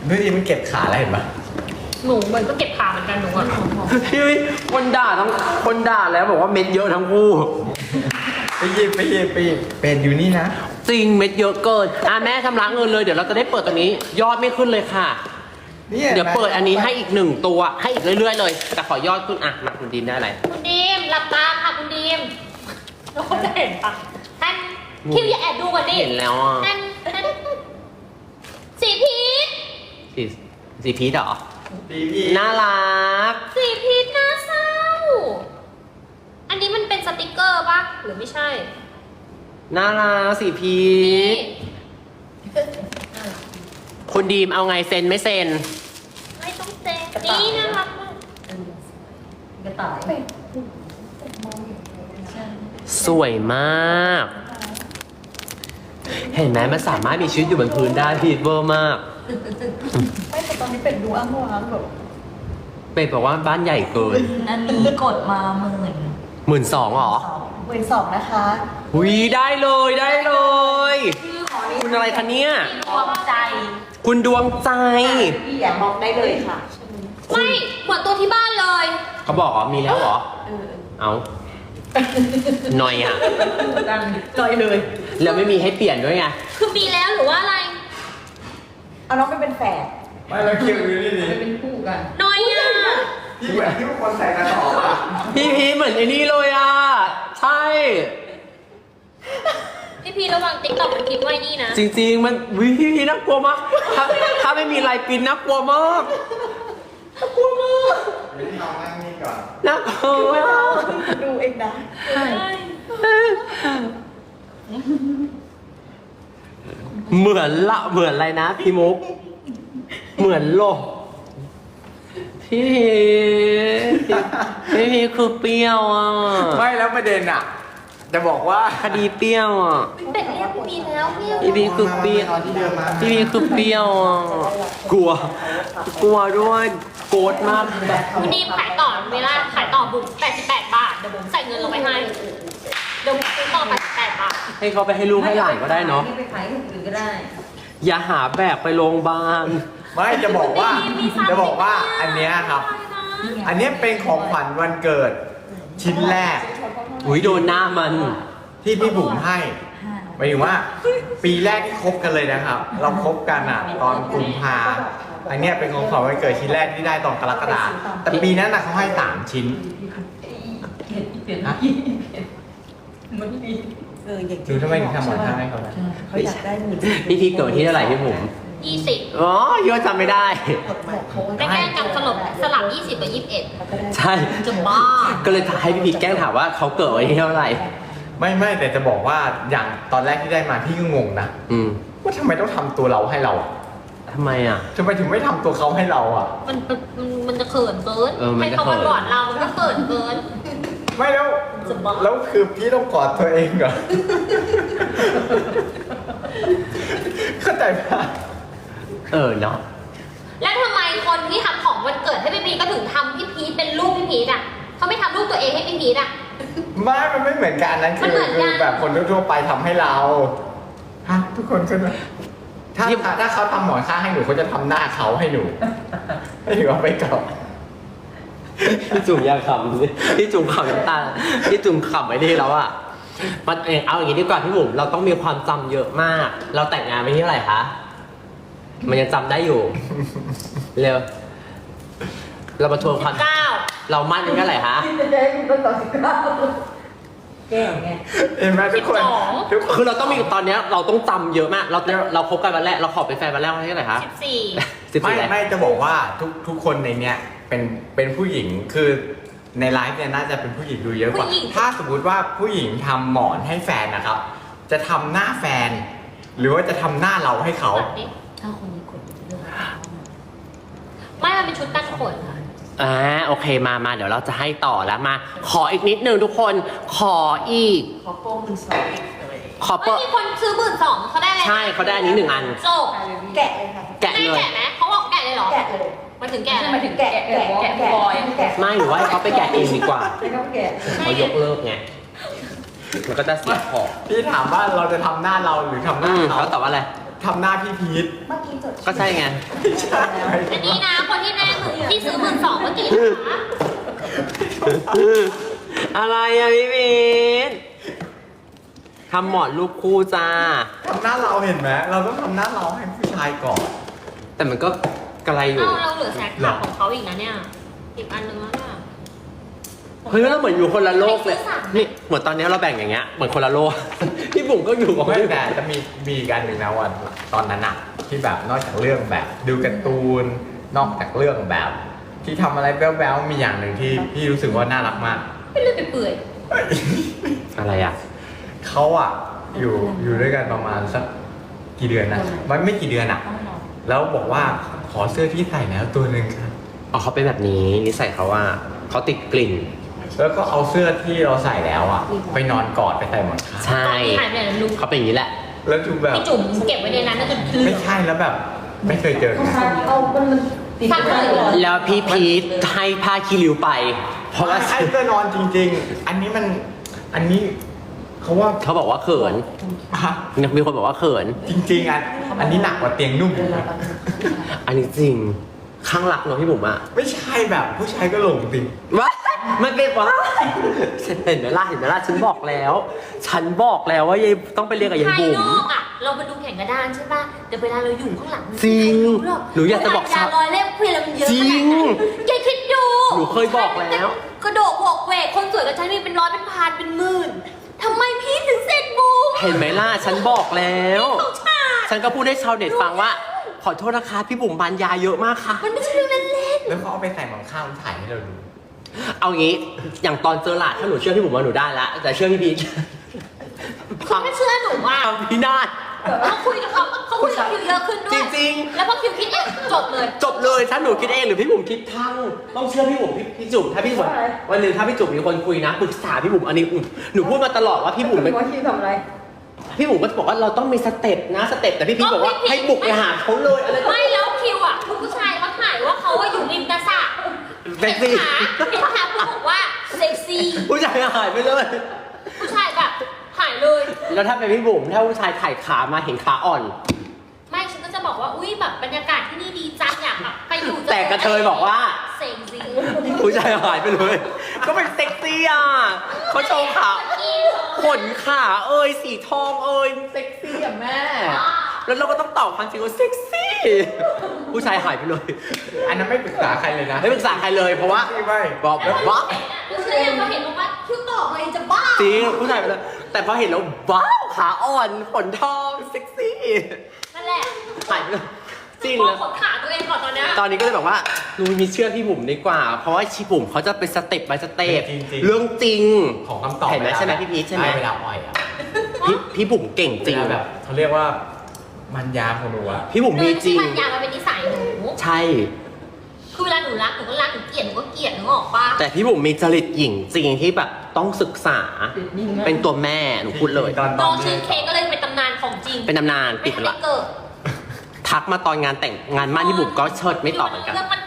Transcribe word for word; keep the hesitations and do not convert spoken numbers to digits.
ดูดิมันเก็บขาแล้วเห็นปะหนูเหมือนก็เก็บขาเหมือนกันหนูอ่ะพี่คนด่าทั้งคนด่าแล้วบอกว่าเม็ดเยอะทั้งคู่ไปหยิบไปหยิบไปหยิบเป็นอยู่นี่นะจริงเม็ดเยอะเกินอ่ะแม่ชำระเงินเลยเดี๋ยวเราจะได้เปิดตัวนี้ ยอดไม่ขึ้นเลยค่ะนี่เดี๋ยวเปิดอันนี้ให้อีกหนึ่งตัวให้อีกเรื่อยๆเลยแต่ขอยอดขึ้นอ่ะมาคุณดีมได้อะไรคุณดีมหลับตาค่ะคุณดีมเราจะเห็นปะท่านคิวอย่าแอบดูก่อนดิเห็นแล้วอ่ะท่านท่านสีพีชสีสีพีชเหรอดีพี่น่ารักสีพีชน่าเศร้า อันนี้มันเป็นสติกเกอร์ปะหรือไม่ใช่น่ารักสีพีชคุณดีมเอาไงเซ็นไม่เซ็นไม่ต้องเซ็นนี่น่ารักมากกระต่ายสวยมาก เห็นไหมมันสามารถมีชีวิตอยู่บนพื้นได้พีทเวอร์มากไม่แต่ตอนนี้เป็ดดูอ้างว้างแบบเป็ดบอกว่าบ้านใหญ่เกินอันนี้กดมาหมื่นหมื่นสองหรอหมื่นสองนะคะหุยได้เลยได้เลยชื่อของนี้คุณอะไรคะเนี่ยดวงใจคุณดวงใจพี่อย่ามองได้เลยค่ะไม่เหมือนตัวที่บ้านเลยเขาบอกอ๋อมีแล้วเหรอเออเอาหน่อยอ่ะดังจอยเลยแล้วไม่มีให้เปลี่ยนด้วยไงคือมีแล้วหรือว่าอะไรเอาน้องไปเป็นแฝดไม่แล้วคิวอยู่นี่ดิเป็นคู่กันน้อยอ่ะพี่เหมือนที่คนใส่กระสอบอะพี่พีชเหมือนไอ้นี่เลยอ่ะ ใช่พี่พีระวังติ๊กต็อกมันคิดไว้นี่นะจริงๆ มันวิพี่พีชน่ากลัวมากถ้าถ้าไม่มีลายปริ้นน่ากลัวมากน่ากลัวมากไม่ได้ลองนั่งนี่ก่อนน่ากลัวดูเองนะใช่เหมือนละเหมือนอะไรนะพี่มุก เหมือนโลกพี่พีชพี่พีชคือเปรี้ยวอ่ะไม่แล้วประเด็นอะจะบอกว่าคดีเปรี้ยวอ่ะเป็ดเรียกพี่พีแล้วพี่พี่พีชคือเปรี้ยวมาที่เดิมมาพี่พีชคือเปรี้ยวอ่ะกลัว กลัวด้วยโกรธมากแบบคุณดีมขายต่อเวลาขายต่อบุ๋มแปดสิบแปดบาท เดี๋ยวบุ๋มใส่เงินลงไปให้ เดี๋ยวบุ๋มซื้อต่อแปดสิบแปดบาทให้เขาไปให้ลูกให้หลานก็ได้เนาะไปขายคนอื่นก็ได้อย่าหาแบกไปโรงพยาบาลไม่จะบอกว่ามีซ้ำจะบอกว่าอันเนี้ยครับ อันเนี้ยเป็นของขวัญวันเกิด ชิ้นแรกอุ้ยโดนหน้ามันที่พี่บุ๋มให้หมายถึงว่า ปีแรกที่คบกันเลยนะครับ เราคบกันอ่ะ ตอนกุมภาอันเนี้ยเป็นของขวัญวันเกิดชิ้นแรกที่ได้ตอนกรกฎาแต่ปีนั้นน่ะเขาให้สามชิ้น ฮะมันดีเอออย่างดูทำไมถึงทำหมอนข้างให้เขานะเขาอยากได้หมื่นพี่พีชเกิดที่เท่าไหร่พี่ผมยี่สิบอ๋อยอดจำไม่ได้ได้แค่จำสลบสลับยี่สิบกับยี่สิบเอ็ดใช่จะบ้าก็เลยให้พี่พีชแกล้งถามว่าเขาเกิดวันที่เท่าไหร่ไม่ไม่แต่จะบอกว่าอย่างตอนแรกที่ได้มาพี่ก็งงนะอืมว่าทำไมต้องทำตัวเราให้เราอะทำไมอ่ะทำไมถึงไม่ทำตัวเขาให้เราอ่ะมันมันมันมันจะเขินเกินเออมันให้จะเขาเขิมาน กอดเรา มันก็เขินเกินไม่แล้วจะบ้าแล้วคือพี่ต้องกอดตัวเองเหรอ เข้าใจปะเออเนาะแล้วทำไมคนที่ทำของวันเกิดให้พี่พีชก็ถึงทำพี่พีชเป็นลูกพี่พีชอ่ะเขาไม่ทำลูกตัวเองให้พี่พีชอ่ะไม่มันไม่เหมือนกันนั้นมันคือเหมือนกันคือแบบคนทั่วๆไปทำให้เราฮะทุกคนก็นะถ้าถ้าถ้าเขาทำหมอนข้างให้หนูเขาจะทำหน้าเขาให้หนู ให้หนูเอาไปก่อนพี่จุ๋มอยากขำสิพี่จุ๋มขำน้ำตาพี่จุ๋มขำไว้ดีแล้วอ่ะมันเองเอาอย่างนี้ดีกว่าพี่บุ๋มเราต้องมีความจำเยอะมาก เราแต่งงานไปที่เท่าไหร่คะมันยังจำได้อยู่ เร็ว เรามาทวนความเก้าเรามั่นกันเท่าไหร่คะที่จะได้ต้นต่อสิบเก้าแก้วไงเห็นไหมทุกคนทุกคนคือเราต้องมีตอนเนี้ยเราต้องจำเยอะมาก เราเราคบกันวันแรกเราขอเป็นแฟนวันแรกวันที่เท่าไหร่คะสิบสี่สิบไม่สี่อะไรไม่จะบอกว่าทุกทุกคนในเนี้ยเป็นเป็นผู้หญิงคือในไลฟ์เนี่ยน่าจะเป็นผู้หญิงดูเยอะกว่า ถ้าสมมติว่าผู้หญิงทำหมอนให้แฟนนะครับ จะทำหน้าแฟน หรือว่าจะทำหน้าเราให้เขากดดิถ้าคนนี้กดเรื่องไม่มันเป็นชุดกันขนค่ะอ่าโอเคมามาเดี๋ยวเราจะให้ต่อแล้วมา ขออีกนิดนึงทุกคนขออีกขอโป้งหมื่นสองเลยขอเปิไม่ดมีคนซื้อหมื่นสองเขาได้เลยใช่เขาได้อันนี้หนึ่งอันจบแกะเลยค่ะแกะเลยแกะไหมเขาบอกแกะเลยเหรอแกะเลยมันถึงแกะใช่เลยหมายถึงแกะแกะแกะแกะแกะไม่หรือว่าให้เขาไปแกะเองดีกว่าไม่ต้องแกะเขายกเลิกไงมันก็จะเสียของพี่ถามว่าเราจะทำหน้าเราหรือทำหอืน้าม เขาเขาตอบว่าอะไรทำหน้าพี่พีทเมื่อกี้จดก็ใช่ไงไม่ใช่อันนี้นะคนที่แรกหมื่นที่ซื้อหมื่นสองเมื่อกี้นะคะอะไรอะพี่พีททำหมอนลูกคู่จ้าทำหน้าเราเห็นไหมเราต้องทำหน้าเราให้ผู้ชายก่อนแต่มันก็กระไรอยู่เอาเราเหลือแซกขาของเขาอีกนะเนี่ย อีกอันนึงแล้วเนี่ยเฮ้ยเราเหมือนอยู่คนละโลกเลยไม่ซื้อสามนี่เหมือนตอนนี้เราแบ่งอย่างเงี้ย เหมือนคนละโลก พี่บุ๋มก็อยู่กับไม่พี่แต่จะมีมีอีกอันหนึ่งนะวันตอนนั้นอะที่แบบนอกจากเรื่องแบบดูการ์ตูนนอกจากเรื่องแบบ ที่ทำอะไรแบ๊วๆมีอย่างหนึ่งที่พี่รู้สึกว่าน่ารักมากไม่เลือดเปื่อยอะไรอ่ะเขาอะอยู่อยู่ด้วยกันประมาณสักกี่เดือนนะมันไม่กี่เดือนอะแล้วบอกว่าขอเสื้อที่ใส่แล้วตัวหนึ่งครับอ๋อเขาเป็นแบบนี้นิสัยเขาว่าเขาติดกลิ่นแล้วก็เอาเสื้อที่เราใส่แล้วอะไปนอนกอดไปใส่หมอนข้างใช่ๆหายไปไหนแล้วลุงเขาเป็นอย่างนี้แหละแล้วจูแบบพี่จุ๋มเก็บไว้ในนั้นน่าจะลืไม่มใช่แล้วแบบ ไม่เคยเจอกันเอามันมันติดกันเลยแล้วพี่พีทให้ผ้าคีริวไป เพราะว่าใช่เสื้อนอนจริง ๆ อันนี้มันอันนี้เขาว่าเขาบอกว่าเขินฮะมีคนบอกว่าเขินจริงๆอันอันนี้หนักกว่าเตียงนุ่มอีกนะอันนี้จริง ข้างรักเนอะพี่บุ๋มอะไม่ใช่แบบผู้ชายก็หลงจริงว้ามันเป็นวะเห็นไหมล่ะเห็นไหมล่ะฉันบอกแล้ว ฉันบอกแล้วว่ายายต้องไปเรียนกับยายภายบุ๋มนอกอ่ะ เราไปดูแข่งกระดานใช่ป่ะแต่เวลาเราอยู่ข้างหลังจริงไม่มีใครรู้หรหนูอยากจะบอกชาลอยเล่มเพื่อนเรามันเยอะขจรินาดงนั้นแกคิดดูหนูเคยบอกแล้วกระโดดบวกเวกคนสวยกับฉันมีเป็นร้อยเป็นพันเป็นหมื่นทำไมพี่ถึงเสร็จบูมเห็นไหมล่ะฉันบอกแล้วของชาติฉันก็พูดให้ชาวเน็ตฟังว่า ขอโทษนะคะพี่บุ๋มบานยาเยอะมากค่ะมันไม่ใช่เรื่องเล่นๆแล้วเขาเอาไปใส่หมอนข้างถ่ายให้เราดูเอางี้ อย่างตอนเจอหลาดถ้าหนูเชื่อพี่บุ๋มว่าหนูได้ละแต่เชื่อพี่พีทๆคือไม่เชื่อหนูว่าทำพี่นาฏเขาคุยกับเขาเขาคุยกับคิวเยอะขึ้นด้วยจริงแล้วพอคิวคิดเองจบเลยจบเลยถ้าหนูคิดเองหรือพี่บุ๋มคิดทั้งต้องเชื่อพี่บุ๋มพี่พี่จุ๋มถ้าพี่บุ๋มวันหนึ่งถ้าพี่จุ๋มมีคนคุยนะปรึกษาพี่บุ๋มอันนี้หนูพูดมาตลอดว่าพี่บุ๋มไม่ว่าคิวทำอะไรพี่บุ๋มก็บอกว่าเราต้องมีสเต็ปนะสเต็ปแต่พี่พีทบอกว่าให้บุกไปหาเขาเลยอะไรก็ไม่แล้วคิวอ่ะคุณผู้ชายเขาถ่ายว่าเขาว่าอยู่ริมกระสระเซ็กซี่ขาเห็นขาคุณบอกว่าเซ็กซี่ผู้ชายหายไปเลยผู้ชายแบบหายเลยแล้วถ้าเป็นพี่บุ๋มถ้าผู้ชายถ่ายขามาเห็นขาอ่อนไม่ฉันก็จะบอกว่าอุ้ยแบบบรรยากาศที่นี่ดีจังอยากแบบไปอยู่แต่กระเทยบอกว่าเซ็กซี่ผู้ชายหายไปเลย ก็เป็นเซ็กซี่อ่ะเขาโชว์ขาขนขาเอ้ยสีทองเอ้ยมันเซ็กซี่อ่ะแม่ แล้วเราก็ต้องตอบความจริงว่าเซ็กซี่ ผู้ชายหายไปเลยอันนั้นไม่ปรึกษาใครเลยนะไม่ปรึกษาใครเลยเพราะว่าไม่ไม่บอกแล้วว่าผู้ชายยังเขาเห็นบอกว่าคิวตอบอะไรจะบ้าจริงผู้ชายไปเลยแต่พอเห็นแล้วว้าวขาอ่อนขนทองเซ็กซี่นั่นแหละหายไปเลยจริงมอเลงยขนขาตัวเองก่อนตอนเนี้ยตอนนี้ก็เลยบอกว่าหนูมีเชื่อพี่บุ๋มดีกว่า เพราะว่าชีบุ๋มเขาจะเป็นสเต็ปไปสเต็ปจริงๆเรื่องจริงของคำตอบเห็นไหมใช่ไหมพี่พีชใช่ไหมเวลาอ่อยอ่ะพี่พี่บุ๋มเก่งจริงเวลาแบบเขาเรียกว่ามันยาของหนูอะพี่บุ๋มโดมียจริที่งมันยามันเป็นนิสัยหนูใช่คือเวลาหนูรักหนูก็รักหนูเกลียดหนูก็เกลียดหนูออกปะแต่พี่บุ๋มมีจริตหญิงจริงที่แบบต้องศึกษา เป็นตัวแม่หนูพูดเลยตอนตน้ออน งชื่อเค้กก็เลยเป็นตำนานของจริงเป็นตำนานไม่ปิดทัไปนได้ละเกิดทักมาตอนงานแต่งงานมั่นที่บุ๋มก็เชิดไม่ตอบเหมือนกันเรื่องมัน